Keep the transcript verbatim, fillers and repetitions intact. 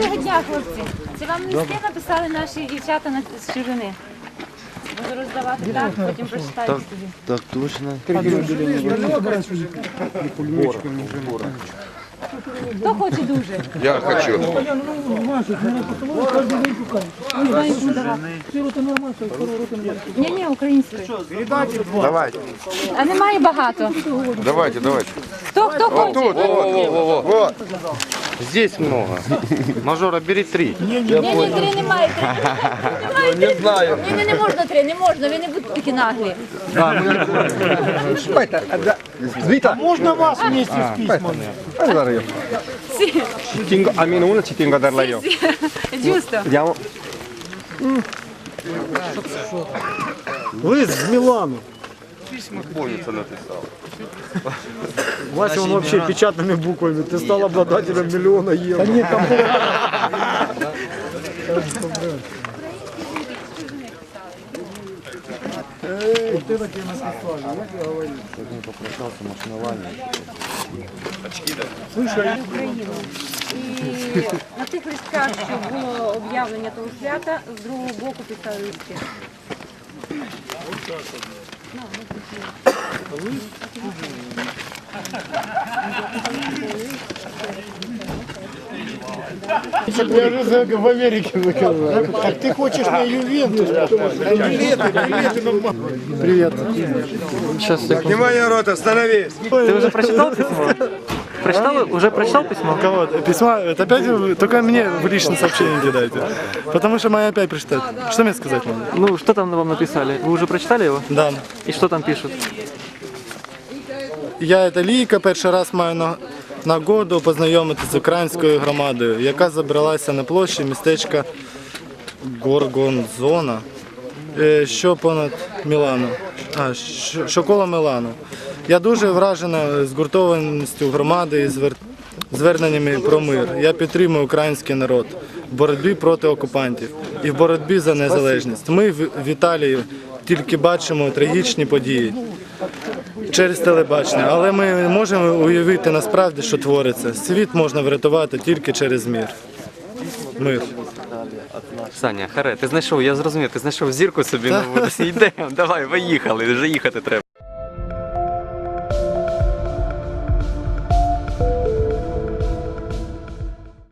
Доброго дня, хлопці. Це вам листи написали наші дівчата на- з Чужини. Буду роздавати так, потім прочитайте собі. Так точно. Хто хоче дуже? Я хочу. Ні, ні, українською. Давайте. А немає багато. Давайте, давайте. Хто, хто хоче? Тут, во-во-во-во. Вот. Здесь много. Мажора, бери три. Ні, ні, три немає. Три немає. Не знаю. Ні, ні, не можна три, не можна, ви не будете такі наглі. Можна вас вместе з письмами? Сі, A meno uno ci tengo a darla io. сі. Giusto. Vediamo. Лист з Мілану. Помнится написал. Вася, он вообще печатными буквами. Ты стал обладателем миллиона евро. Да нет, там Україну. І на тих листках, що було об'явлення того свята, з другого боку писали листи. Я же в Америке заказал. Так ты хочешь на Ювентус? Билеты, билеты на Привет. Сейчас, секунду. Внимание, народ, остановись. Ты уже прочитал письмо? Прочитал? Уже прочитал письмо? Кого? Письма? Это опять вы- только мне в личное сообщение кидайте. Потому что моя опять прочитает. Что мне сказать надо? Ну, что там вам написали? Вы уже прочитали его? Да. И что там пишут? Я это Лійка, перший раз маю на- нагоду познайомитися з українською громадою, яка забралася на площі містечка Горгонзона, е, що понад Мілану, а, що, що коло Мілану. Я дуже вражена згуртованістю громади і звер... зверненнями про мир. Я підтримую український народ в боротьбі проти окупантів і в боротьбі за незалежність. Ми в в Італії тільки бачимо трагічні події через телебачення, але ми не можемо уявити насправді, що твориться. Світ можна врятувати тільки через мир. Мир. Саня, харе, ти знайшов, я зрозумів, ти знайшов зірку собі нову. Йдемо, давай, поїхали, вже їхати треба.